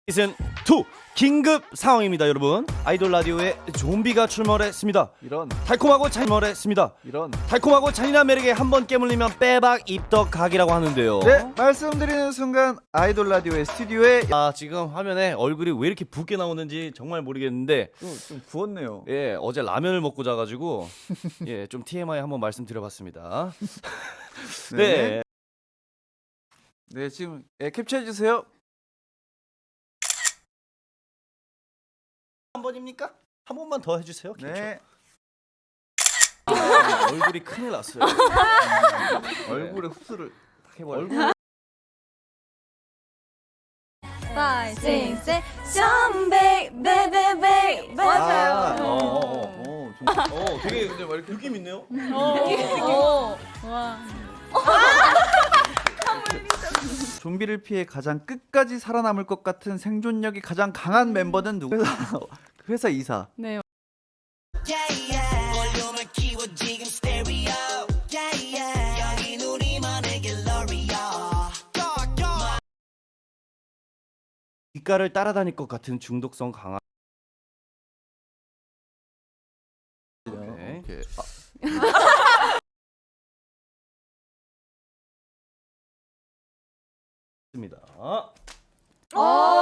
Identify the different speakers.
Speaker 1: 시즌 2 긴급 상황입니다, 여러분. 아이돌 라디오에 좀비가 출몰했습니다.
Speaker 2: 이런
Speaker 1: 달콤하고 잔인한 매력에 한번 깨물리면 빼박 입덕 각이라고 하는데요.
Speaker 2: 네, 말씀드리는 순간 아이돌 라디오의 스튜디오에
Speaker 1: 지금 화면에 얼굴이 왜 이렇게 붉게 나오는지 정말 모르겠는데
Speaker 2: 좀 부었네요.
Speaker 1: 예, 어제 라면을 먹고 자가지고 예, 좀 TMI 한번 말씀드려봤습니다. 네.
Speaker 2: 네, 지금 캡처해 주세요.
Speaker 1: 한 번입니까? 한 번만 더 해주세요.
Speaker 2: 네,
Speaker 1: 얼굴이 큰일 났어요.
Speaker 2: 얼굴에 흡수를 딱 해버려.
Speaker 1: 얼굴
Speaker 3: Five, six, seven, somebody, baby, baby. 맞아요.
Speaker 1: 되게 근데 막 이렇게 느낌 있네요.
Speaker 3: 와.
Speaker 2: 좀비를 피해 가장 끝까지 살아남을 것 같은 생존력이 가장 강한 멤버는 누구? 회사 이사.
Speaker 3: 네.
Speaker 1: 귓가를 따라다닐 것 같은 중독성 강한.
Speaker 2: 오케이.
Speaker 1: 입니다.